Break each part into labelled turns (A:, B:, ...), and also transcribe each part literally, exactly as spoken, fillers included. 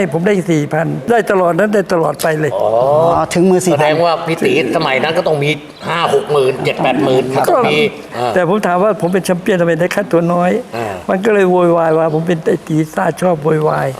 A: ผมได้สี่พันได้ตลอดนั้นได้ตลอดไปเลย
B: อ๋อ
C: ถึงมือสี่
B: แสดงว่าพี่ตีสมัยนั้นก็ต้องมีห้าหกหมื่นเจ็ดแปดหมื่นก็มีอ่า
A: แต่ผมถามว่าผมเป็นแชมเปี้ยนทำไมได้ค่าตัวน้อย
B: อ่ามั
A: มันก็เลยโวยวายว่าผมเป็นไอ้ตีซ่าชอบโวยวาย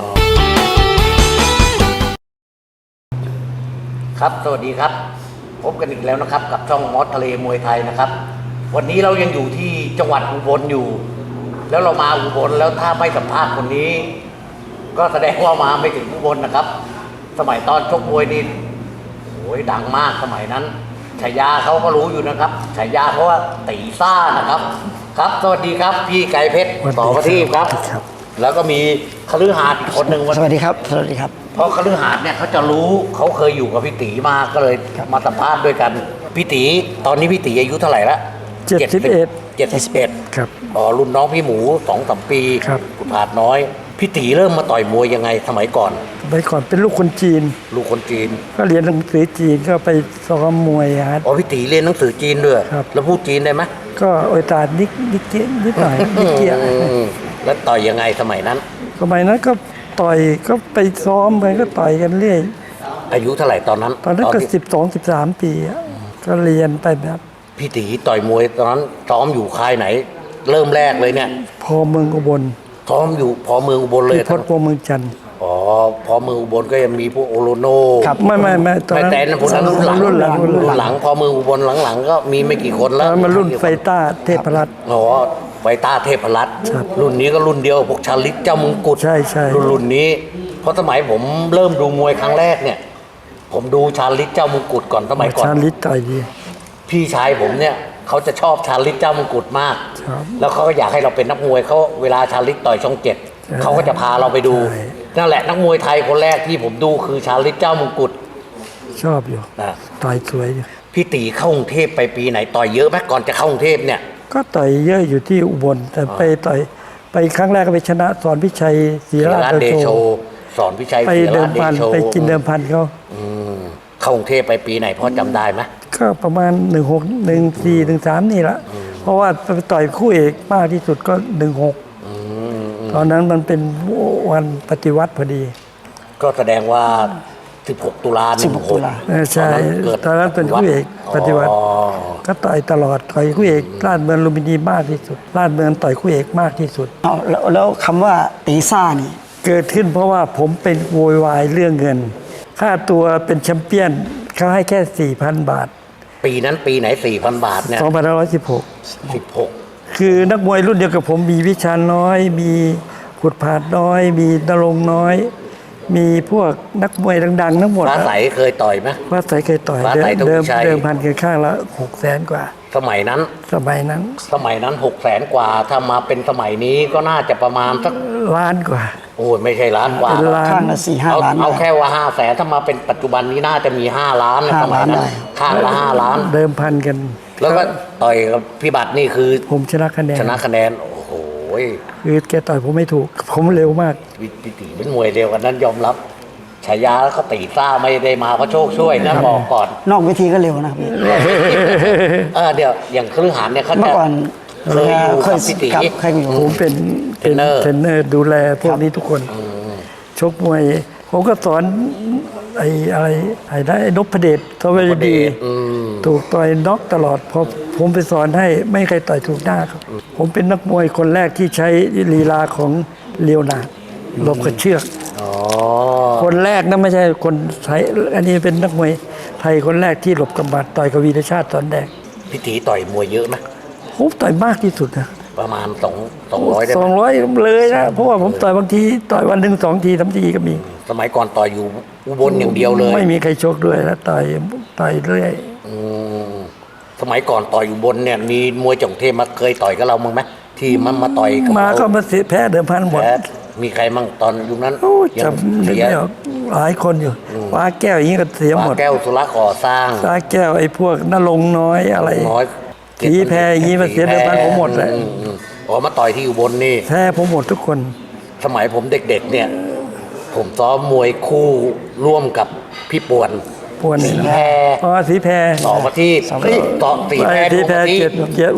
B: ครับสวัสดีครับพบกันอีกแล้วนะครับกับช่องมอสทะเลมวยไทยนะครับวันนี้เรายังอยู่ที่จังหวัดอุบลอยู่ แล้วเรามาอุบลแล้วถ้าไม่สัมภาษณ์คนนี้ ก็แสดงว่ามาไม่ถึงอุบลนะครับ สมัยตอนชกมวยนี่โอ้ยดังมากสมัยนั้นฉายาเขาก็รู้อยู่นะครับฉายาเขาว่าตีซ่านะครับ ครับสวัสดีครับพี่ไก่เพชรต่อประทีปครับ แล้วก็มีคฤหาสน์อีกคนหนึ่ง
C: สวัสดีครับสวัสดีครับ
B: เพราะคฤหาสน์เนี่ยเขาจะรู้เขาเคยอยู่กับพี่ตีมาก็เลยมาสัมภาษณ์ด้วยกันพี่ตีตอนนี้พี่ตีอายุเท่าไหร่ละ
A: เจ็ดสิบเอ็ด
B: เจ็ดสิบเอ็ด
A: ครับ
B: อ๋อรุ่นน้องพี่หมูสองสามปี
A: ครับ
B: ขุนผาดน้อยพี่ตีเริ่มมาต่อยมวยยังไงสมัยก่อน
A: ไปก่อนเป็นลูกคนจีน
B: ลูกคนจีน
A: ก็เรียนหนังสือจีนก็ไปซ้อมมวยฮะ
B: อ๋อพี่ตีเรียนหนังสือจีนด้วย
A: ครับ
B: แล้วพูดจีนได้ไหม
A: ก็โอยตานิกนิกเกี้ยนิดหน่อยนิกเกี้ย
B: อืมแล้วต่อยยังไงสมัยนั้น
A: สมัยนั้นก็ต่อยก็ไปซ้อมกันก็ต่อยกันเรื่อย
B: อายุเท่าไหร่ตอนนั้น
A: ตอนนั้นก็
B: ที่
A: สิบสองสิบสามปีอะก็เรียนไปแบบ
B: พี่ตีต่อยมวยตอนนั้นซ้อมอยู่ค่ายไหน เริ่มแรกเลยเนี่ย
A: พอเมืองอุบล
B: ซ้อมอยู่พอเมืองอุบลเลย
A: ที่พดพอเมืองจันทร์
B: อ๋อพอเมืองอุบลก็ยังมีพวกโอโลโน
C: ครับ
A: ไม่ไม่ไม่ตอน
B: แต่
A: นั้น
B: แต่นั้นพวกนั้นรุ่นหลัง
A: รุ่นหลังรุ่นห
B: รุ่
A: ลั
B: น
A: ง
B: หลังพอเมืองอุบลหลังๆก็มีไม่กี่คน
A: ตอ
B: แล้
A: น
B: ว
A: นั้นมันรุ่นไฟต้าเทพรัตน์
B: อ๋อไฟต้าเทพรัตน์
A: ครับ
B: รุ่นนี้ก็รุ่นเดียวกับพวกชาลิตเจ้ามงกุฎ
A: ใช่ใช่
B: รุ่นรุ่นนี้ เพราะสมัยผมเริ่มดูมวยครั้งแรกเนี่ย ผมดูชาลิตเจ้ามงกุฎก่อนสมัยก่อน
A: ชาลิตต่อยดี
B: พี่ชายผมเนี่ยเขาจะชอบชาลิตเจ้ามงกุฎมาก
A: ครับ
B: แล้วเขาก็อยากให้เราเป็นนักมวยเขาเวลาชาลิตต่อยช่องเจ็ด
A: ใช่
B: เขาก็จะพาเราไปดู
A: ใช่
B: นั่นแหละนักมวยไทยคนแรกที่ผมดูคือชาลิตเจ้ามงกุฎ
A: ชอบอยู่
B: นะ
A: ต่อยสวยอยู่
B: พี่ตีเข้ากรุงเทพไปปีไหนต่อยเยอะไหมก่อนจะเข้ากรุงเทพเนี่ย
A: ก็ต่อยเยอะอยู่ที่อุบลแต่ไปต่อยไปครั้งแรกก็ไปชนะสอนพิชัยศรี
B: ศิ
A: รา
B: รา
A: ช
B: ชเด
A: เด
B: โช
A: โช
B: สอนพิชัย
A: ไป
B: ศิ
A: เดิ
B: ราม ชเด
A: พัน
B: โช
A: ไปกินเดิมพันเขา
B: อืมเข้ากรุงเทพไปปีไหนพอจำได้ไหม
A: ก็ประมาณหนึ่งหกหนึ่งสี่หนึ่งสามนี่ละเพราะว่าไปต่อยคู่เอกมากที่สุดก็หนึ่งหก
B: อืม
A: ตอนนั้นมันเป็นวันปฏิวัติพอดี
B: ก็แสดงว่า สิบหก ตุลา
C: สิบหกตุลา
A: เออใช่ตอนนั้นเป็นคู่เอกปฏิวัติ
B: อ๋อ
A: ก็ต่อยตลอดต่อยคู่เอกลาดเมืองลุมพินีมากที่สุดลาดเมืองต่อยคู่เอกมากที่สุด
C: เอาแล้วแล้วคำว่าตีซ่านี่
A: เกิดขึ้นเพราะว่าผมเป็นโวยวายเรื่องเงิน ค่าตัวเป็นแชมเปี้ยนเขาให้แค่ สี่พัน บาท
B: ปีนั้นปีไหน สี่พัน บาทเนี่ย
A: สองพันห้าร้อยสิบหก
B: สิบหก
A: คือนักมวยรุ่นเดียวกับผมมีวิชาน้อย มีขุดผาดน้อย มีนรงค์น้อย มีพวกนักมวยดังๆทั้งหมด
B: ฟ้าใสเคยต่อยไหม
A: ว่าใสเคยต่อย
B: ฟ้า
A: เดิ
B: ใส
A: ม
B: ต้อง
A: เดิม
B: ใช้
A: เดิมพันกันข้างละหกแสนกว่า
B: สมัยนั้น
A: สมัยนั้น
B: สมัยนั้นหกแสนกว่า ถ้ามาเป็นสมัยนี้ก็น่าจะประมาณสัก
A: ล้านกว่า
B: โอ้ยไม่ใช่ล้านกว่า
A: เป็นล้าน
C: ข้างละสี่ห้า
B: เอา
C: ล้าน
B: เอา
C: ได้
B: แค่ว่าห้าแสนถ้ามาเป็นปัจจุบันนี้น่าจะมีห้าล้านนะ
C: ห้า
B: สมัยนั้
C: ล้าน
B: น
C: ได้
B: ข้างละห้าล้าน
A: เดิมพันกัน
B: แล้วก็ต่อยกับพี่บัตรนี่คือ
A: ผมชนะคะแนน
B: ชนะคะแนน โอ้โห
A: คือแกต่อยผมไม่ถูก ผมเร็วมาก
B: พี่พี่ตีเป็นมวยเร็วกันนั้นยอมรับฉายาแล้วก็ตีซ่าไม่ได้มาเพราะโชคช่วยนะบอกก่อน
C: นอกเวทีก็เร็วนะครับพี่
B: เออเดี๋ยวอย่างคฤหาสน์เนี่ยเขา
C: เมื่
B: จะ
C: อก่อน
B: เคยอยู่
C: เค
B: กั
C: ย
B: บพี่ตี
C: กับเคยอยู่
A: ผมเป็น
B: เทรนเนอร์
A: เทรนเนอร์ดูแลพวกนี้ทุกคน ชกมวย ผมก็สอนไอ้อะไรไอ้ได้ไอ้นพเดชทวารดี
B: อืม
A: ถูกต่อยน็อกตลอดพอผมไปสอนให้ไม่มีใครต่อยถูกหน้าครับ ผมเป็นนักมวยคนแรกที่ใช้ลีลาของเลียวนาร์ดหลบกับเชือก
B: อ๋อ
A: คนแรกนะไม่ใช่คนไทยอันนี้เป็นนักมวยไทยคนแรกที่หลบกำบัดต่อยกับวีรชาติตอนแดง
B: พี่ตีต่อยมวยเยอะไหม
A: ผมต่อยมากที่สุดนะ
B: ประมาณสองสองร้อยได้
A: ส
B: ไห
A: อ
B: ม
A: งร้อยเลยนะเพราะว่าผมต่อยบางทีต่อยวันหนึ่งสองทีสามทีก็มี
B: สมัยก่อนต่อยอยู่อุบลอย่างเดียวเลย
A: ไม่มีใครชกด้วยแล้วต่อยต่อยเรื่อย
B: อืมสมัยก่อนต่อยอยู่บนเนี่ยมีมวยจากกรุงเทพมาเคยต่อยกับเรามั้งไหมที่มันมาต่อยกับ
A: มา
B: เร
A: ก็มาเสียแพ้เดิมพันหมด
B: แพ้มีใครมั่งตอนยุคนั้น
A: โอ้
B: ยัง
A: จำนึก
B: เสีย
A: ไม่ออกหลายคนอยู่ฟ้าแก้วอย่างนี้ก็เสียหม
B: ฟ้า
A: ด
B: แก้วสุรก่อสร้าง
A: ฟ้าแก้วไอ้พวกนรงค์น้อยอะไร
B: น้อย
A: สีแพรอย่างนี้มาเสียเดิมพันผมหมดเลย
B: อือืมอ๋อมาต่อยที่อุบลนี่
A: แพ้ผมหมดทุกคน
B: สมัยผมเด็กๆเนี่ย ผมซ้อมมวยคู่ร่วมกับพี่ป่วน
A: ปวน
B: สี
A: นี่
B: แพร
A: นะอ๋อสีแพร
B: ต่อมาที่เฮ้ยต่อสีแพร
A: ไอ้สีแพร
B: ดูมาที่
A: เจ็ดเจ็ด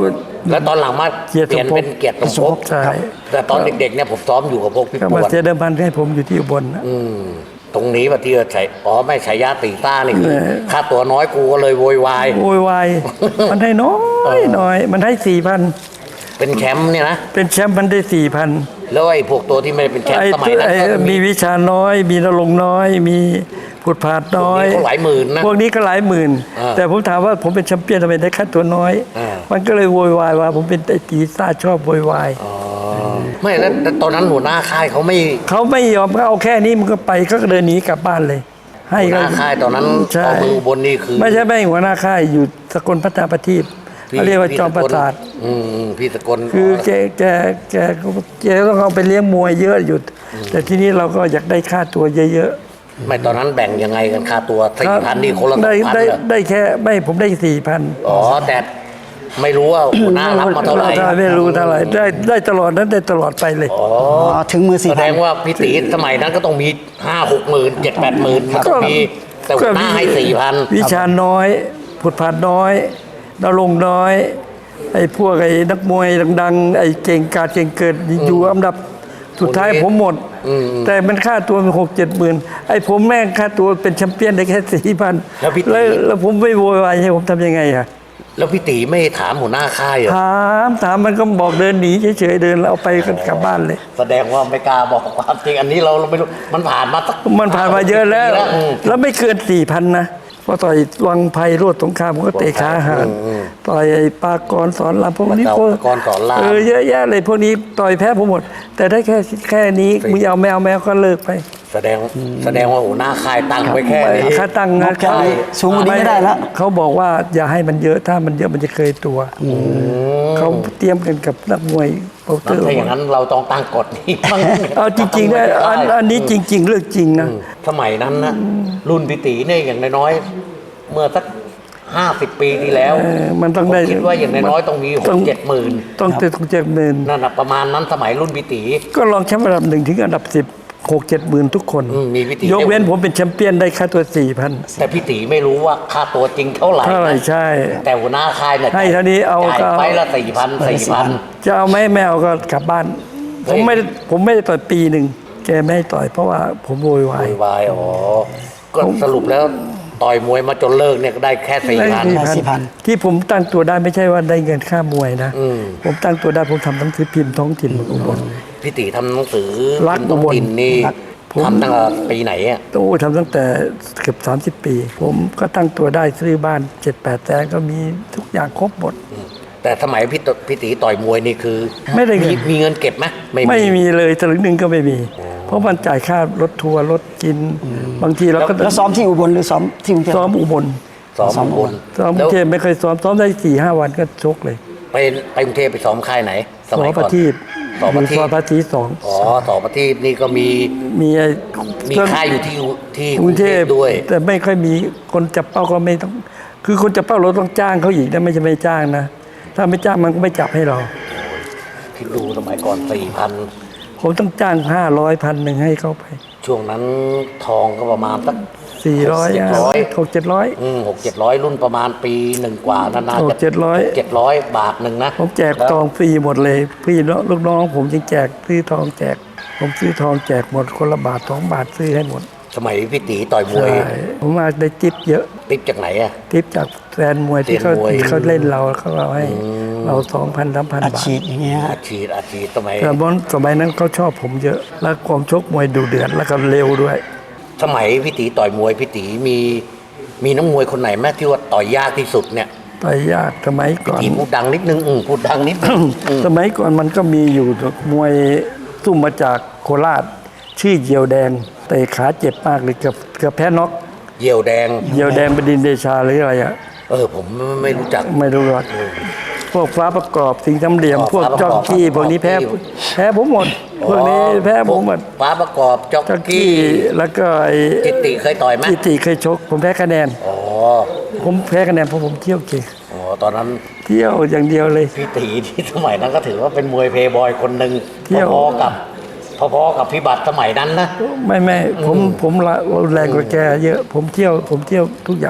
B: แล้วตอนหลังมา
A: เกียรติ
B: เปลี่ยน
A: สมภพ
B: เป็นเกียรติสมภพ
A: ใช่
B: แต่ตอนเด็กๆเนี่ยผมซ้อมอยู่กับพวกพี่
A: ก็
B: ป
A: มาว
B: ด
A: เสียเดิมพันให้ผมอยู่ที่อุบลนะ
B: อืมตรงนี้ว่าที่ว่าใช้อ๋อไม่ใช้ยาตีต้านี่คือ
A: เออ
B: ค่าตัวน้อยกูก็เลยโวยวาย
A: โวยวายมันให้น้อยน้อย มันให้สี่พัน
B: เป็นแชมป์เนี่ยนะ
A: เป็นแชมป์มันได้สี่พัน
B: แล้วไอ้พวกตัวที่ไม่ได้เป็นแชม
A: ไอ้
B: ป์สมัยนั้น
A: ไอ้
B: ก็
A: มีวิชาน้อย มีนรงค์น้อย มีผุดผาดน้อย
B: พวกนี้ก็หลายหมื่นนะ
A: พวกนี้ก็หลายหมื่น
B: อ่า
A: แต่ผมถามว่าผมเป็นแชมเปี้ยนทำไมได้ค่าตัวน้อย
B: อ่า
A: มันก็เลยโวยวายว่า ผมเป็นไอ้ตีซ่าชอบโวยวาย
B: อ๋อไม่แล้วแต่ตอนนั้นหัวหน้าค่ายเขาไม่
A: เขาไม่ยอมเขาเอาแค่นี้มันก็ไปก็เดินหนีกลับบ้านเลย ให้
B: หัวห
A: ก็
B: น้าค่ายตอนนั้น
A: ใช่
B: เอามือบนนี่คือ
A: ไม่ใช่ไม่หัวหน้าค่ายอยู่สกลพัฒนาประทีป
B: พี่
A: เขาเรียกว่าจอมประสาท
B: อืมอืมพี่สกล
A: คือแกแกแกแกต้องเอาไปเลี้ยงมวยเยอะอยู่แต่ทีนี้เราก็อยากได้ค่าตัวเยอะ
B: ไม่ตอนนั้นแบ่งยังไงกันค่าตัว
A: ๆ
B: สี่พันนี่คนละสอง
A: ได้
B: พัน
A: ได้
B: เหรอ
A: ได้แค่ไม่ผมได้สี่พัน
B: อ๋อแต่ไม่รู้ว่าหัวหน้ารับมาเท่าไหร่
A: ไม่รู้เท่าไหร่ได้ได้ตลอดนั้นได้ตลอดไปเลย
B: อ๋อ
C: อ๋อถึงมือ
B: แส
C: สี่
B: ด
C: พัน
B: งว่าพี่ตีสมัยนั้นก็ต้องมีห้าหกหมื่นเจ็ดแปดหมื่นมันต้องมีแต่หัวหน้าให้สี่พัน
A: วิชาน้อยผุดผาดน้อยดาวลงค์น้อย ไอ้พวกไอ้นักมวยดังๆไอ้เก่งกาจเก่งเกิดอยู่อันดับสุดท้ายผมหมด แต่มันค่าตัวมันหกเจ็ดหมื่นไอ้ผมแม่งค่าตัวเป็นแชมเปี้ยนได้แค่สี่พัน
B: แล้วพี่ตี
A: แล้วแล้วผมไม่โวยวายให้ผมทำยังไงอะ
B: แล้วพี่ตีไม่ถามหัวหน้าค่ายเหรอ
A: ถามถามมันก็บอกเดินหนีเฉยๆเดินแล้วเอาไปกันกลับบ้านเลย
B: แสดงว่าไม่กล้าบอกความจริงอันนี้เราเราไม่รู้มันผ่านมาสัก
A: มันผ่านมาเยอะแล้ว
B: ปีอืม
A: แล้วไม่เกินสี่พันนะเพราะต่อยวังไพโรดสงครามผมก็เตะขาหารต่อยไอ้ปากรสอนรามพวกนี้
B: ปากรสอนราม
A: เออเยอะแยะเลยพวกนี้ต่อยแพ้ผมหมด แต่ได้แค่แค่นี้มึงเอาแมวแมวก็เลิกไป
B: แสดงแสดงว่าหัวหน้าค่ายตั้งไว้แค่นี้
A: ค่าตั้ง
C: ง
A: นะ
C: บแค่นี้สูงกว่านี้ไม่ได้แล้ว
A: เขาบอกว่าอย่าให้มันเยอะถ้ามันเยอะมันจะเคยตัวเขาเตรียมกันกับนักมวยโปรเตอร์
B: ถ้าอย่างนั้นเราต้องตั้งกฎนี้บ้าง
A: เอาจริงๆนะอันอันนี้จริง ๆ เรื่องจริงนะ
B: สมัยนั้นนะรุ่นพี่ตีเนี่ยอย่างน้อยๆเมื่อสักห้าสิบปีที่แล้ว
A: เออมันต้องได้
B: ผมคิดว่าอย่างน้อยๆต้องมีห
A: ต้
B: ก
A: อง
B: เจ็ดหมื่น
A: ต้องเจ็ดต้องเจ็ดหมื่น
B: นั่นนะประมาณนั้นสมัยรุ่นพี่ตี
A: ก็ลองแชมป์อันดับหนึ่งถึงอันดับสิบหกเจ็ดหมื่นทุกคน
B: อืมมีวิธี
A: ยกเว้นผมเป็นแชมเปี้ยนได้ค่าตัวสี่พัน
B: แต่พี่ตีไม่รู้ว่าค่าตัวจริงเท่าไหร่
A: เท่าไหร่
B: นะ
A: ใช่
B: แต่หัวหน้าค่ายเนี่ย
A: ให้เท่านี้เอา
B: จ่าย
A: ก็เอา
B: ไปละสี่พันสี่พัน
A: จะเอาไหมไม่เอาก็กลับบ้าน
B: เฮ้
A: ผ
B: ย
A: มไม่ได้ผมไม่ได้ต่อยปีหนึ่งแกไม่ให้ต่อยเพราะว่าผมโวยวา
B: โวย ยวายอ๋อก็
A: ผม
B: สรุปแล้วต่อยมวยมาจนเลิกเนี่ยก็ได้แค่สี่
A: ได้
B: พัน
A: สี่
C: สี่พั
A: พัน
C: น
A: ที่ผมตั้งตัวได้ไม่ใช่ว่าได้เงินค่ามวยนะ
B: อืม
A: ผมตั้งตัวได้ผมทำหนังสือพิมพ์ท้องถิ่นอุบล
B: พี่ตีทำหนังสือ
A: รัก
B: ท้องถิ่นนี่
A: รักผม
B: ทำตั้งแต่ปีไหนอ่ะ
A: โอ้ทำตั้งแต่เกือบสามสิบปี ผมก็ตั้งตัวได้ซื้อบ้านเจ็ดแปดแสนก็มีทุกอย่างครบหมด
B: แต่สมัยพี่ตพี่ตีต่อยมวยนี่คือ
A: ไม่ได้เงิน
B: มีเงินเก็บไหมไม่
A: ไม่มีเลยสลึงหนึ่งก็ไม่มี เพราะมันจ่ายค่ารถทัวร์รถกิน บางทีเราก็
C: แล้วซ้อมที่อุบลหรือซ้อมที่กรุงเทพ
A: ซ้อมอุบล
B: ซ้อม
C: ซ้อม
B: บน
A: ซ้อมก
B: แล้
A: รุ
B: ว
A: งเทพไม่เคยซ้อมซ้อมได้สี่ห้าวันก็ชกเลย
B: ไปไปกรุงเทพไปซ้อมค่ายไหน ส
A: สอ
B: มัย
A: ป
B: ก่อน
A: ทีป
B: สอปทีป
A: ซอยปทีสอง
B: อ๋อสอปทีปนี่ก็มี
A: มีไอ้
B: มีค่ายอยู่ที่ที่
A: ก
B: ก
A: รุ
B: รุ
A: ง
B: ง
A: เท
B: เท
A: พ
B: พด้วย
A: แต่ไม่ค่อยมีคนจับเป้าก็ไม่ต้อง คือคนจับเป้าเราต้องจ้างเขาอีกนะไม่ใช่ไม่จ้างนะ ถ้าไม่จ้างมันก็ไม่จับให้เรา
B: ที่ดูสมัยก่อนสี่พัน
A: ผมต้องจ้างห้าร้อยพันหนึ่งให้เขาไป
B: ช่วงนั้นทองก็ประมาณสัก
A: สี่ร้อย
B: เจ็ดร้อย
A: หกเจ็ดร้อย
B: อืมหกเจ็ดร้อยรุ่นประมาณปีหนึ่งกว่านานา
A: หก
B: จะ
A: เจ็ดร้อย
B: เจ็ดร้อยบาทหนึ่งนะ
A: ผมแจก
B: ล้ว
A: ทองฟรีหมดเลย พี่น้องลูกน้องผมยังแจกซื้อทองแจก ผมซื้อทองแจกหมดคนละบาทสองบาทซื้อให้หมด
B: สมัยพี่ตีต่อยมวย
A: ใช่ผมมาได้ทิปเยอะ
B: ติปจากไหนอ่ะ
A: ทิปจากแฟนมวยที่เขา
B: แฟนมวย
A: เขาเล่นเราเขาเอาให้เราสองพันสามพัน
C: อัด
A: บาท
C: ฉีดอย่างเงี้ย
B: อาชีพอาชีพสมัย
A: แต่บอลสมัยนั้นเขาชอบผมเยอะ แล้วความชกมวยดูเดือดแล้วก็เร็วด้วย
B: สมัยพี่ตีต่อยมวยพี่ตีมีมีน้องมวยคนไหนแม่ที่ว่าต่อยยากที่สุดเนี่ย
A: ต่อยยากสมัยก่อน
B: ตีพูดดังนิดนึงอืมพูดดังนิดนึงอืม
A: สมัยก่อนมันก็มีอยู่มวยซุ่มมาจากโคราช ชื่อเหยียวแดงเตะขาเจ็บมากเลยเกือบเกือบแพ้น็อก
B: เหยี่ยวแดง
A: เหยียวแดงบดินทร์เดชาหรืออะไรอะ
B: เออผมไม่รู้จัก
A: ไม่รู้หรอกพวกฟ้าประกอบสิงห์ทำเหลี่ยม
B: อ๋อ
A: พวก
B: ฟ้าประกอบ
A: จอกกี้พวกนี้แพ้
B: จอกกี้
A: แพ้ผมหมด พวกนี้แพ้ผมหมด
B: ฟ้าประกอบจ็อก
A: จอก
B: กี้
A: กี้แล้วก็ไอ้
B: จิตติเคยต่อยไหม
A: จิตติเคยชก ผมแพ้คะแนน
B: อ๋อ
A: ผมแพ้คะแนนเพราะผมเที่ยวเก่ง
B: อ๋อตอนนั้น
A: เที่ยวอย่างเดียวเลย
B: พี่ตีที่สมัยนั้นก็ถือว่าเป็นมวยเพย์บอยคนหนึ่ง
A: เที่ยว
B: พอๆกับพอๆกับพี่บัตรสมัยนั้นนะ
A: ไม่ไม่ผมผมละแรงกว่าแกเยอะ ผมเที่ยวผมเที่ยวทุกอย่าง
B: อ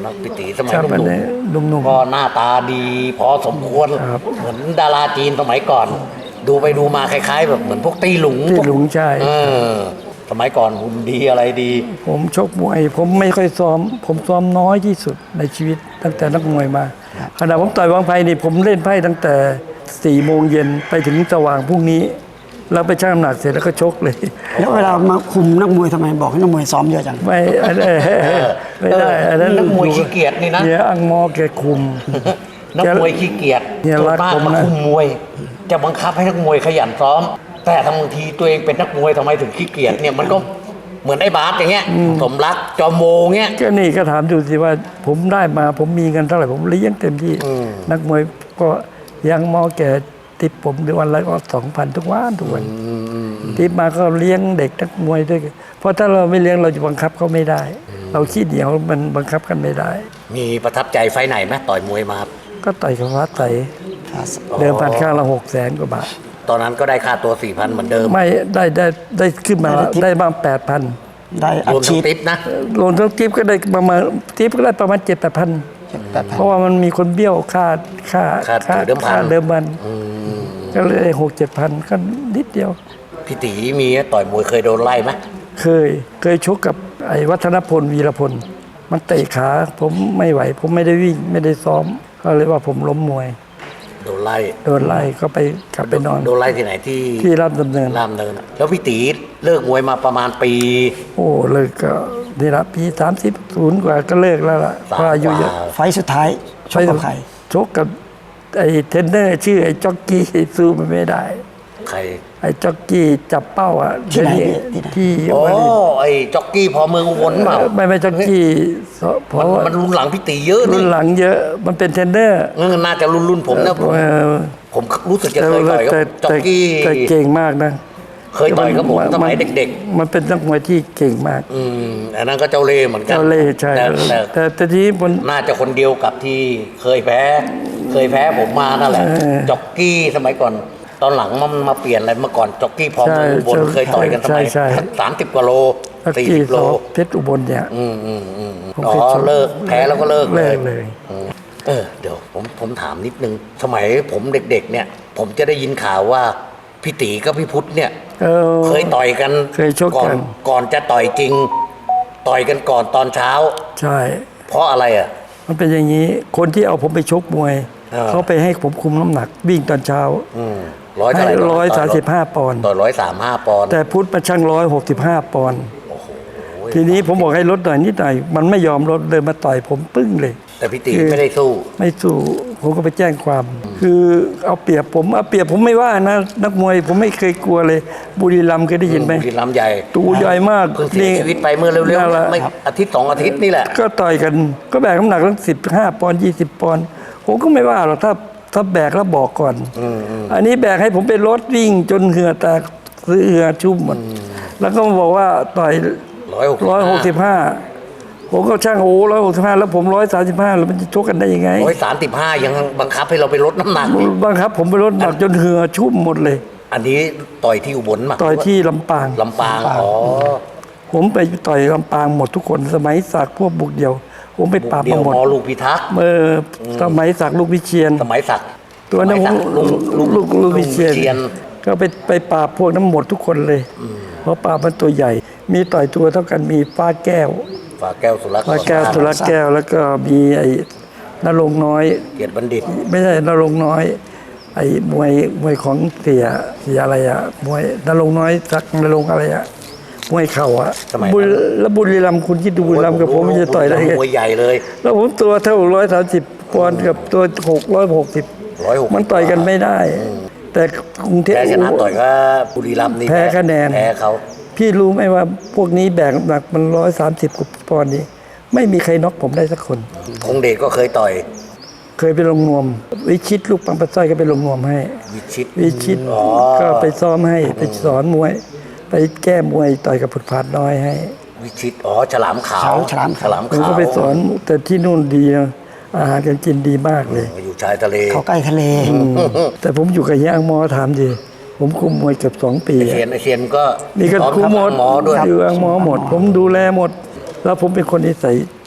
B: นักพิตีสมัย
A: ครับ
B: ห
A: อัน
B: นุ่ม
A: นี้หนุ่ม
B: ๆก็หน้าตาดีพอสมควร
A: ครับ
B: เหมือนดาราจีนสมัยก่อน ดูไปดูมาคล้ายๆ แบบเหมือนพวกตีหลุง
A: ตีหลุงใช่
B: เออสมัยก่อนหุ่นดีอะไรดี
A: ๆผมชกมวย ผมไม่ค่อยซ้อม ผมซ้อมน้อยที่สุดในชีวิตตั้งแต่นักมวยมาขณะผมต่อยวางไพ่นี่ผมเล่นไพ่ตั้งแต่สี่โมงเย็นไปถึงสว่างพรุ่งนี้แล้วไปชั่งน้ำหนักเสร็จแล้วก็ชกเลย
C: แล้วเวลามาคุมนักมวยทำไมบอกให้นักมวยซ้อมเยอะจัง
A: ไม่อันเออไม่ได้อันนั้น
B: นักมวยขี้เกียจนี่นะ
A: เนี่ยอังมอแกคุม
B: นักมวยขี้เกียจ
A: เนี่ย
B: ส่ว
A: รั
B: น
A: ก
B: มาก
A: ผม
B: มา
A: นะ
B: คุมมวย จะบังคับให้นักมวยขยันซ้อม แต่ทำบางทีตัวเองเป็นนักมวยทำไมถึงขี้เกียจเนี่ยมันก็เหมือนไอ้บาสอย่างเงี้ยสมรักจอมโมเงี้ย
A: ก็นี่ก็ถามดูสิว่าผมได้มาผมมีเงินเท่าไหร่ผมเลี้ยงเต็มที่ นักมวยก็ยังมอแกติปผมเดือนวันละก็สองพันทุกวันทุกวันติปมาก็เลี้ยงเด็กนักมวยด้วยเพราะถ้าเราไม่เลี้ยงเราจะบังคับเขาไม่ได้ เราขี้เหนียวมันบังคับกันไม่ได้
B: มีประทับใจไฟไหนไหมต่อยมวยมาครับ
A: ก็ต่อยกับฟ้าใสเดิมพันข้างละหกแสนกว่าบาท
B: ตอนนั้นก็ได้ค่าตัวสี่พันเหมือนเดิม
A: ไม่ได้ได้ได้ขึ้นมา
C: ได้ทิป
A: ได้บ้างแปดพัน
C: ได้อั
B: ร
C: ด
B: วมทั้
C: ฉี
B: ง
C: ด
B: ติปนะ
A: รวมทั้งทิปก็ได้ประมาณทิปก็ได้ประมาณเจ็ดแปดพัน
C: แปดพัน
A: เพราะว่ามันมีคนเบี้ยวค่าค่า
B: ค่าเดิมพัน
A: ค่าเดิมพันก็เลยหกเจ็ดพันก็นิดเดียว
B: พี่ตีมีต่อยมวยเคยโดนไล่ไหม
A: เคยเคยชกกับไอ้วัฒนพลวีรพล มันเตะขาผมไม่ไหว ผมไม่ได้วิ่งไม่ได้ซ้อมก็เลยว่าผมล้มมวย
B: โดนไล่
A: โดนไล่ก็ไปกลับไปนอน
B: โดนไล่ที่ไหนที่
A: ที่ราชดำเนิน
B: รามเนินอะแล้วพี่ตีเลิกมวยมาประมาณปี
A: โอ้เลิกก็นี่ละปีสามสิบศูนย์กว่าก็เลิกแล้วล่ะ
B: สาม
A: เพราะอายุเยอะ
B: กว่า
C: ไฟล์สุดท้ายชกกับใคร
A: ชกกับไอ้เทรนเนอร์ชื่อไอ้จ็อกกี้สู้มันไม่ได้
B: ใคร
A: ไอ้จ็อกกี้จับเป้าอ่ะ
C: ที่ไหน
A: เดี๋ยว
C: ที่ไหน
A: ที่
B: โอ้
A: วาริน
B: ไอ้จ็อกกี้พอเมืองอุบลเปล่า
A: ไม่ไม่จ็อกกี้เพ
B: มัน
A: ราะว่า
B: มันรุ่นหลังพี่ตีเยอะ
A: รุ่
B: นี่
A: นหลังเยอะมันเป็นเทรนเนอร์
B: เออน่าจะรุ่นรุ่นผมนะผม
A: เออ
B: ผมรู้สึกจะเคยต่อยกับ
A: แต่
B: จ็อกกี้
A: แต่เก่งมากนะ
B: เคยต่อยกับผมสมัยเด็ก
A: ๆมันเป็นนักมวยที่เก่งมาก
B: ๆ อืมอันนั้นก็เจ้าเล่ห์เหมือนกัน
A: เจ้าเล่ห์ใช่
B: แต่แต่
A: แต่แต่ทีนี้มัน
B: น่าจะคนเดียวกับที่เคยแพ้ เคยแพ้ผมมานั่นแหละ
A: เออ
B: จ็อกกี้สมัยก่อน ตอนหลังมันมาเปลี่ยนอะไรเมื่อก่อนจ็อกกี้พอเมืองอุบล
A: ใช่
B: เคยต่อยกันสมัย
A: ใช่ใช่
B: สามสิบกว่าโล
A: จ็อก
B: สี่
A: กี้
B: สิบ
A: ส
B: โล
A: อเพชรอุบลเนี่ย
B: อืมอืมอืมอืม
A: ผม
B: อ๋
A: เคย
B: อ
A: ชก
B: เลิกแพ้แล้วก็เลิก
A: เลิกเลย
B: อืมเออเดี๋ยวผมผมถามนิดนึง สมัยผมเด็กๆ เนี่ย ผมจะได้ยินข่าวว่าพี่ตีกับพี่พุทธเนี่ย
A: เออ
B: เคยต่อยกัน
A: เคยชกกัน
B: อนก่อนจะต่อยจริง ต่อยกันก่อนตอนเช้า
A: ใช่
B: เพราะอะไรอ่ะ
A: มันเป็นอย่างนี้คนที่เอาผมไปชกมวย
B: เออ
A: เขาไปให้ผมคุมน้ำหนัก วิ่งตอนเช้า
B: อืมร้อยเท่า
A: ให้
B: ไหร่
A: ร้อยสามสิบห้าปอนด์
B: ต่อร้อยสามห้าปอนด์
A: แต่พุทธมาช่างร้อยหกสิบห้าปอนด์
B: โอ้โห
A: ทีนี้ผมบอกให้ลดหน่อยนิดหน่อยมันไม่ยอมลดเลยมาต่อยผมปึ้งเลย
B: แต่พี่ตีไม่ได้สู้
A: ไม่สู้ผมก็ไปแจ้งความ คือเอาเปรียบผมเอาเปรียบผมไม่ว่านะนักมวยผมไม่เคยกลัวเลย บุรีรัมย์เคยได้ยินไหม
B: บุรีรัมย์ใหญ่
A: ตัวใหญ่มาก
B: เพิ่งเสียชีวิตไปเมื่อเร็ว
A: นั่นแหละ
B: ๆไม่อาทิตย์สองอาทิตย์นี่แหละ
A: ก็ต่อยกันก็แบกน้ำหนักตั้งสิบห้าปอนด์ยี่สิบปอนด์ผมก็ไม่ว่าหรอกถ้าถ้าแบกแล้วบอกก่อน อันนี้แบกให้ผมไปรถวิ่งจนเหงื่อแตกเหงื่อชุ่มหมดแล้วก็มาบอกว่าต่อย
B: ร้อยหก
A: ร้อยหกสิบห้าผมก็ช่างโอ้ร้อยหกสิบห้าแล้วผมร้อยสามสิบห้าแล้วมันจะชกกันได้ยังไง
B: ร้อยสามสิบห้ายังบังคับให้เราไปลดน้ำหนักอีก
A: บังคับผมไปลดน้ำหนักจนเหงื่อชุ่มหมดเลย
B: อันนี้ต่อยที่อุบลมา
A: ต่อยที่ลำปาง
B: ลำปางอ๋อ
A: ผมไปต่อยลำปางหมดทุกคนสมัยศักดิ์พวกบุกเดียว ผมไปปราบ
B: เดีย
A: มาวหมด
B: มอลูกพิทักษ์
A: เออสมัยศักดิ์ลูกวิเชียน
B: สมัยศักดิ์
A: ตัวนั้น
B: ส
A: ผ
B: มั
A: ม
B: ยศักดิ์ลุง
A: ลูกลูกลูกวิเชียน
B: ลุง
A: ก็ไปไปปราบพวกนั้นหมดทุกคนเลย เพราะปราบมันตัวใหญ่ มีต่อยตัวเท่ากันมีฟ้าแก้ว
B: ฝาแก้วสุรักษ์
A: ฟ้าแก้วสุรแก้วแล้วก็มีไอ้นรงค์น้อย
B: เกียรติบัณฑิต
A: ไม่ใช่นรงค์น้อย ไอ้มวยมวยของเสียเสียอะไรอะมวยนรงค์น้อยสักนรงค์อะไรอะมวยเข่าอะ
B: สมัยนั้น
A: บุรีแล้วบุรีรัมย์คุณคิดดูบุรีรัมย์กับผมมันจะต่อยได้ไง
B: มวยใหญ่เลย
A: แล้วผมตัวเท่าร้อยสามสิบปอนด์กับตัวหกร้อยหกสิบ
B: ร้อยหก
A: มันต่อยกันไม่ได้ แต่กรุงเทพ
B: แพ้ชนะต่อยก็บุรีรัมย์นี่
A: แพ้คะแนน
B: แพ้เขา
A: พี่รู้ไหมว่าพวกนี้แบกน้ำหนักมันร้อยสามสิบกว่าปอนด์นี้ ไม่มีใครน็อกผมได้สักคน
B: ธงเดชก็เคยต่อย
A: เคยไปลงนวม วิชิตลูกปังปัสสร้อยก็ไปลงนวมให้
B: วิชิต
A: วิชิต
B: อ๋อ
A: ก็ไปซ้อมให้ไปสอนมวย ไปแก้มวยต่อยกับผุดผาดน้อยให้
B: วิชิตอ๋อฉลามขาว
C: ฉลามขาว
B: ฉลาม
A: ผม
B: ขาว
A: ก็ไปสอนแต่ที่นู่นดีนะอาหารการกินดีมากเลย
B: อยู่ชายทะเล
C: เขาใกล้ทะเล
A: แต่ผมอยู่กับเฮียอังมอถามดิผมคุมมวยเกือบสองปี
B: ไอเชียนไอเชียนก็
A: นี่ก็
B: สอน
A: คุมหมด
B: หมอด้วย
A: อยู่อังมอหมด ผมดูแลหมด แล้วผมเป็นคนนิสัย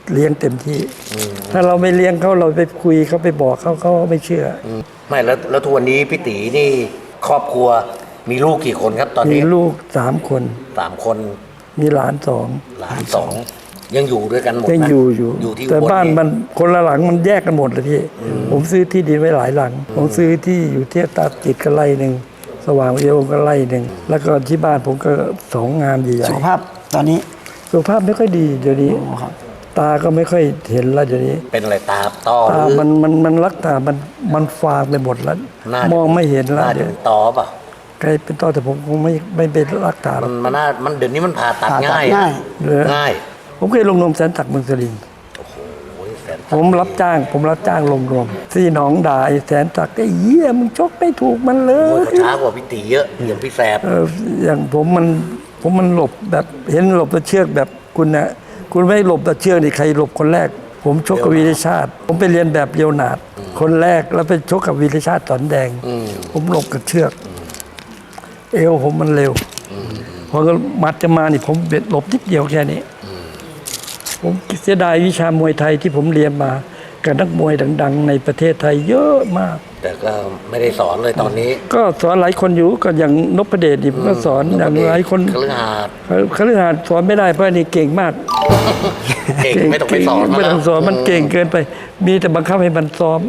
A: เลี้ยงเต็มที่ ถ้าเราไม่เลี้ยงเขาเราไปคุยเขาไปบอกเขาเขาไม่เชื่อ
B: ไม่แล้วแล้วทุกวันนี้พี่ตีนี่ครอบครัวมีลูกกี่คนครับตอน
A: มี
B: นี้
A: ลูกสามคน
B: สามคน
A: มีหลานสอง
B: หลานสองยังอยู่ด้วยกันหมด
A: ยัง
B: นะ
A: อยู่อยู่
B: อยู่ที่
A: แต่
B: อุล
A: บ้านมันคนละหลังมันแยกกันหมดเลยพี่ ผมซื้อที่ดินไว้หลายหลัง ผมซื้อที่อยู่ที่ตาจิตก็ไร่หนึ่งสว่างวิโอก็ไร่หนึ่งแล้วก็ที่บ้านผมก็สองงานใหญ่
C: สุขภาพตอนนี้
A: ๆสุขภาพไม่ค่อยดีเดี๋ยวนี้
C: โอ้ครับ
A: ตาก็ไม่ค่อยเห็นแล้วเดี๋ยวนี้
B: เป็นอะไรตาต้อห
A: ตา
B: รือ
A: มันมันมันรักตามันมันฟางไปหมดแล้ว
B: น่าจะ
A: มองไม่เห็นแล้ว
B: น่าจะ
A: เดี๋ยว
B: เป็นต้อเปล่ะ
A: ใครเป็นต้อแต่ผมคงไม่ไม่ไปรักตาหร
B: มั
A: อก
B: นมันน่ามันเดี๋ยวนี้มันผ่าตัด
C: ผ่าตัด
B: ง่าย
C: ง่าย
A: เหรอ
B: ง่าย
A: ผมเคยลงนมแสนตักดิ์เมืองสลิน
B: โอ้ยแสน
A: ผมรับจ้าง ผมรับจ้างลงนมที่หนองด่าไอ้แสนตักดิ์ไอ้เหี้ยมึงชกไม่ถูกมันเล
B: โอ้ย
A: ย
B: เขาช้ากว่าพี่ตีเยอะอย่างพี่แสบ
A: เอออย่างผมมันผมมันหลบแบบเห็นหลบตะเชือกแบบคุณนะคุณไม่หลบตะเชือกนี่ใครหลบคนแรก ผมชกกับวีรชาติ ผมไปเรียนแบบเลียวนาดคนแรกแล้วไปชกกับวีรชาติสอนแดง ผมหลบกับเชือก เอวผมมันเร็วพอมัดจะมานี่ผมเบ็ดหลบนิดเดียวแค่นี้ ผมเสียดายวิชามวยไทยที่ผมเรียนมากับนักมวยดัง ๆ ในประเทศไทยเยอะมาก
B: แต่ก็ไม่ได้สอนเลยตอนนี้
A: ก็สอนหลายคนอยู่ก็อย่างนพเดชนี่ผมก็สอนอย่างหลายคน
B: คฤหาสน์
A: คฤหาสน์สอนไม่ได้เพราะนี่เก่งมาก
B: เก่งไม่ต้องไปสอน
A: ไม่ต้องสอนมันเก่งเกินไป มีแต่บังคับให้มันซ้อม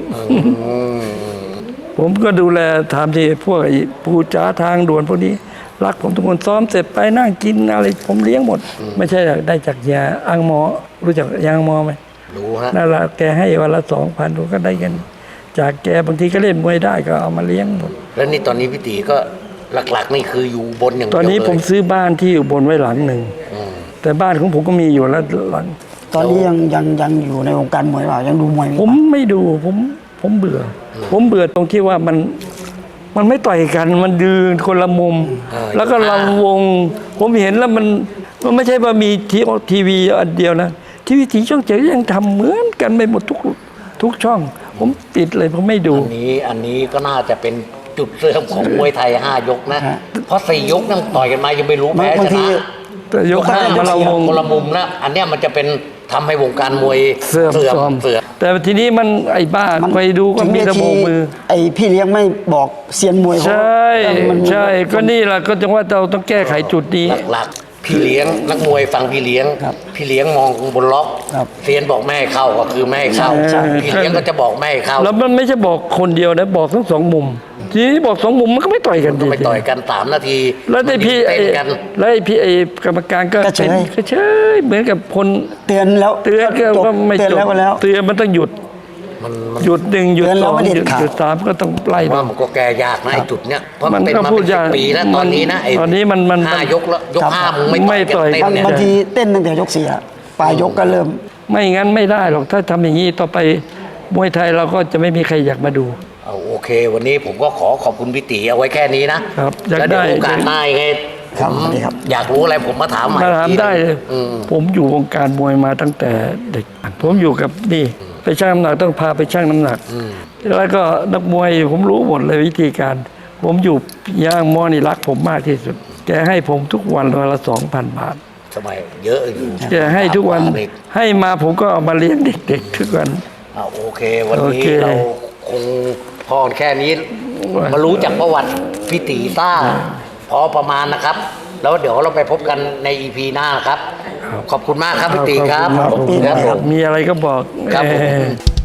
A: ผมก็ดูแลถามที่พวกไอ้ผู้จ้าทางด่วนพวกนี้ รักผมทุกคนซ้อมเสร็จไปนั่งกินอะไรผมเลี้ยงหมด ไม่ใช่ได้จากยาอังหมอ รู้จักยาอังหมอไหม
B: รู้ฮะ
A: นั่นแหละแกให้วันละสองพันผมก็ได้กัน จากแกบางทีก็เล่นมวยได้ก็เอามาเลี้ยงหมด
B: แล้วนี่ตอนนี้พี่ตีก็หลักๆนี่คืออยู่บนอย่างเดียว
A: ตอนนี้
B: เลย
A: ผมซื้อบ้านที่อยู่บนไว้หลังหนึ่ง แต่บ้านของผมก็มีอยู่แล้วหลัง
C: ตอนนี้ยังยังยังอยู่ในวงการมวยเปล่ายังดูมวยไหม
A: ผมไม่ดูผมผมเบื่ออผมเบื่อตรงที่ว่ามันมันไม่ต่อยกันมันยืนคนละมุม แล้วก็ลำวง ผมเห็นแล้วมันมันไม่ใช่ว่ามีทีทีวีอันเดียวนะทีวีสีช่องเจ็ดยังทำเหมือนกันไปหมดทุกทุกช่อง ผมติดเลยผมไม่ดู
B: อันนี้อันนี้ก็น่าจะเป็นจุดเริ่มของมวยไทยห้ายกนะ เพราะสี่ยกนั่งต่อยกันมายังไม่รู้แพ้
C: บาง
B: ช
C: ที
B: นะ
A: แต่ยก
B: ห้า
A: ห้าย
B: ก
A: มาเรา
B: สี่
A: วง
B: คนละมุมนะอันเนี้ยมันจะเป็นทำให้วงการมวย
A: เสื่อม
B: เสื่อม
A: ซ้อม
B: เสื่อม
A: แต่ทีนี้มันไอ้บ้า
C: มัน
A: ไปดูก็
C: ถึง
A: มี
C: เว
A: แตะโบ
C: ที
A: กมือ
C: ไอพี่เลี้ยงไม่บอกเซียนมวยเขา
A: ใช่
C: เออมัน
A: ใช่ก็นี่แหละก็จังว่าเราต้องแก้ไขจุดนี้
B: หลักๆพี่เลี้ยงนักมวยฟังพี่เลี้ยง
C: ครับ
B: พี่เลี้ยงมองบนล็อก
C: ครับ
B: เซียนบอกแม่ให้เข้าก็คือแม่ให้เข้า
A: ใช่
B: พี่เลี้ยงก็จะบอกแม่ให้เข้า
A: แล้วมันไม่ใช่บอกคนเดียวนะบอกทั้งสองมุม ทีนี้บอกสองมุมมันก็ไม่ต่อยกัน
B: ก็
A: ดี
B: ไปต่อยกันสามนาที
A: แล้วไอ้พี่
B: มัน
A: ไอ้
B: เต้นกัน
A: แล้วไอ้พี่ไอ้กรรมการก็
C: ก็เฉย
A: เป็นก็เฉยเหมือนกับคน
C: เตือนแล้ว
A: เตือนก็
C: จบ
A: ว่าไม่
C: เตือน
A: จบ
C: แล้วก็แล้ว
A: เตือนมันต้องหยุด
B: มันมัน
A: หยุดหนึ่งหยุด
C: เตือน
A: ส
C: แล้ว
A: อง
C: ไม่เด็ด
A: หยุด
C: ขาด
A: หยุดสามก็ต้องไล่
B: ว่า
A: มา
B: มันก็แก้ยากนะไอ้จุดเนี้ยเพราะ
A: มั
B: มัน นเป็น
A: ก็
B: มา
A: พู
B: เป็
A: ด
B: นสิ
A: ยา
B: บ
A: ก
B: ปีแล้ว
A: มัน
B: ตอนนี้นะไอ้
A: ตอนนี้มันมัน
B: ห้ายกแล้วยก
C: ครับ
B: ห้ามึงไม่
A: ไม่ต่
B: ต่
A: อ
B: อย ยกันเต้นเนี่ย
C: บางทีเต้นตั้งแต่ยกสี่อะปลายยกก็เริ่ม
A: ไม่งั้นไม่ได้หรอกถ้าทำอย่างนี้ต่อไปมวยไทยเราก็จะไม่มีใครอยากมาดู
B: เอาโอเค วันนี้ผมก็ขอขอบคุณพี่ตีเอาไว้แค่นี้นะครับ
A: อยาก
B: แล้วเดี๋ยว
A: ได้
B: โอกาสหน้ายังไง
C: ครับ
B: ผม
C: สวัสดีครับ
B: อยากรู้อะไรผมมาถามใหม่
A: มาถาม
B: อีกที
A: ได้เลย
B: อืม
A: ผมอยู่วงการมวยมาตั้งแต่เด็ก ผมอยู่กับนี่ไปชั่งน้ำหนักต้องพาไปชั่งน้ำหนัก แล้วก็นักมวยผมรู้หมดเลยวิธีการ ผมอยู่ย่างมอนี่รักผมมากที่สุด แกให้ผมทุกวันวันละสองพันบาท
B: สมัยเยอะอยู่
A: แกให้ทุกวัน
B: เด็ก
A: ให้มาผมก็เอามาเลี้ยงเด็กๆทุกวัน
B: เอาโอเค วัน
A: โอ
B: นี้
A: เค
B: เราคงพอแค่นี้ มารู้จักประวัติพี่ตีซ่าพอประมาณนะครับ แล้วเดี๋ยวเราไปพบกันในอีพีหน้านะครับ ขอบคุณมากครับพี่ตีครับ
A: ขอบคุณ
B: ครับผม
A: มีอะไรก็บอก
B: ครับผม
A: เอ่อ